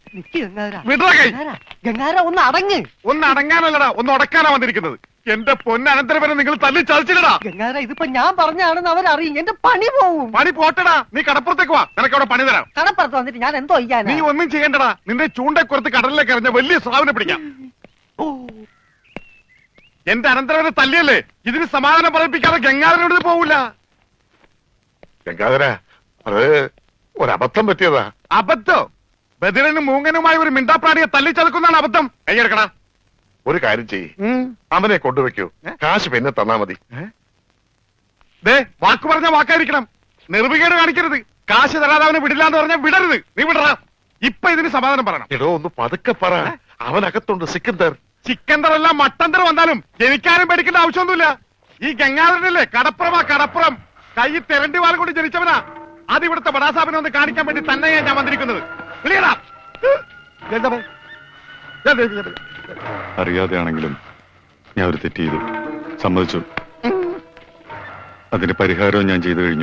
ഗംഗാര ഒന്ന് അടങ്ങ്. ഒന്ന് അടങ്ങാനല്ലടാ, ഒന്ന് ഉടക്കാനാ വന്നിരിക്കുന്നത്. എന്റെ പൊന്നനന്തരവനെ നിങ്ങൾ തല്ലി ചതച്ചില്ലടാ. ഗംഗാര ഇതിപ്പോ ഞാൻ പറഞ്ഞാണെന്ന് അവരറിയും, എന്റെ പണി പോവും. പണി പോട്ടടാ, നീ കടപ്പുറത്തേക്ക് വാ, നിനക്ക് അവിടെ പണി തരാം. കടപ്പുറത്ത് വന്നിട്ട് ഞാൻ എന്തോ ചെയ്യാൻ? നീ ഒന്നും ചെയ്യണ്ടടാ, നിന്റെ ചൂണ്ടക്കുറത്ത് കടലിലേക്ക് എറിഞ്ഞ വലിയ സ്രാവിനെ പിടിക്കാം. എന്റെ അനന്തരവനെ തല്ലിയല്ലേ, ഇതിന് സമാധാനം പറയിപ്പിക്കാതെ ഗംഗാധരനോട് പോവില്ല. ഗംഗാധര, അത് ഒരബദ്ധം പറ്റിയതാ. അബദ്ധം? ബദിരനും മൂങ്ങനുമായി ഒരു മിണ്ടാപ്രാണിയെ തല്ലിച്ചതക്കുന്നതാണ് അബദ്ധം. കൈയെടുക്കടാ. ഒരു കാര്യം ചെയ്യ്, അവനെ കൊണ്ടുവെക്കൂ, കാശ് പിന്നെ തന്നാ മതി. ദേ, വാക്ക് പറഞ്ഞ വാക്കായിരിക്കണം, നിർവികേട് കാണിക്കരുത്. കാശ് തരാതെ അവനെ വിടില്ലാന്ന് പറഞ്ഞാൽ വിടരുത്. നീ വിടറാ. ഇപ്പൊ ഇതിന് സമാധാനം പറയണം. എടോ, ഒന്ന് പതുക്കെ പറ, അവനകത്തുണ്ട് സിക്കന്ദർ. ചിക്കന്തറല്ല മട്ടന്തർ വന്നാലും എനിക്കാരും പേടിക്കേണ്ട ആവശ്യമൊന്നുമില്ല. ഈ ഗംഗാധരനല്ലേ കടപ്പുറം, കൈ തെരണ്ടി വാൽ കൊണ്ട് ജനിച്ചവനാ. അത് ഇവിടുത്തെ ബടാസാബിനെ ഒന്ന് കാണിക്കാൻ വേണ്ടി തന്നെയാ ഞാൻ വന്നിരിക്കുന്നത്. അറിയാതെയാണെങ്കിലും ഞാൻ ഒരു തെറ്റ് ചെയ്തു, സമ്മതിച്ചു. അതിന് പരിഹാരവും ഞാൻ ചെയ്തു കഴിഞ്ഞു.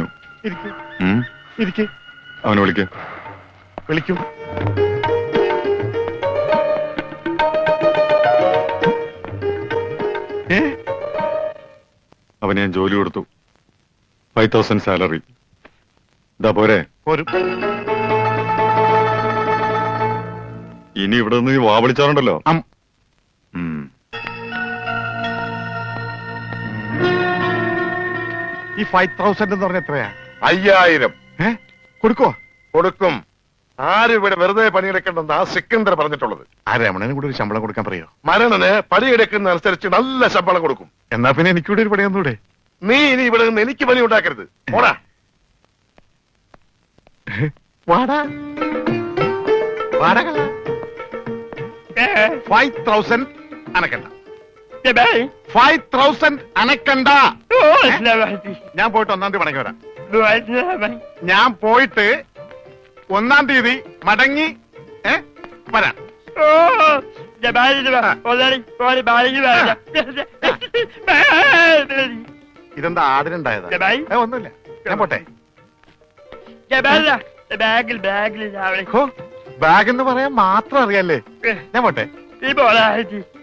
അവനെ വിളിക്കും. അവന് ഞാൻ ജോലി കൊടുത്തു, 5000 സാലറി. ഇതാ പോരെ? ഇനി ഇവിടെ നിന്ന് വാ വിളിച്ചാറുണ്ടല്ലോ. ഈ 5000 എന്ന് പറഞ്ഞ എത്രയാ? 5000. കൊടുക്കോ? കൊടുക്കും. ആരും ഇവിടെ വെറുതെ പണിയെടുക്കണ്ടെന്ന് ആ സിക്കന്ദർ പറഞ്ഞിട്ടുള്ളത്. ആ രമണന് കൂടെ ഒരു ശമ്പളം കൊടുക്കാൻ പറയോ? മരണന് പണിയെടുക്കുന്ന അനുസരിച്ച് നല്ല ശമ്പളം കൊടുക്കും. എന്നാ പിന്നെ എനിക്കൂടെ ഒരു പണിയൊന്നൂടെ? നീ ഇനി ഇവിടെ നിന്ന് എനിക്ക് പണി ഉണ്ടാക്കരുത്. പോടാ. വാടാ 5000 അനക്കണ്ട. 5000 അനക്കണ്ട. ഞാൻ പോയിട്ട് 1-ാം തീയതി മടങ്ങി വരാം. ഞാൻ പോയിട്ട് 1-ാം തീയതി മടങ്ങി വരാം. ഇതെന്താ ആടിനുണ്ടായതാ? ഒന്നുമില്ല, ഞാൻ പോട്ടെ. ബാഗ് എന്ന് പറയാൻ മാത്രം അറിയാല്ലേ. ഞാൻ പോട്ടെ.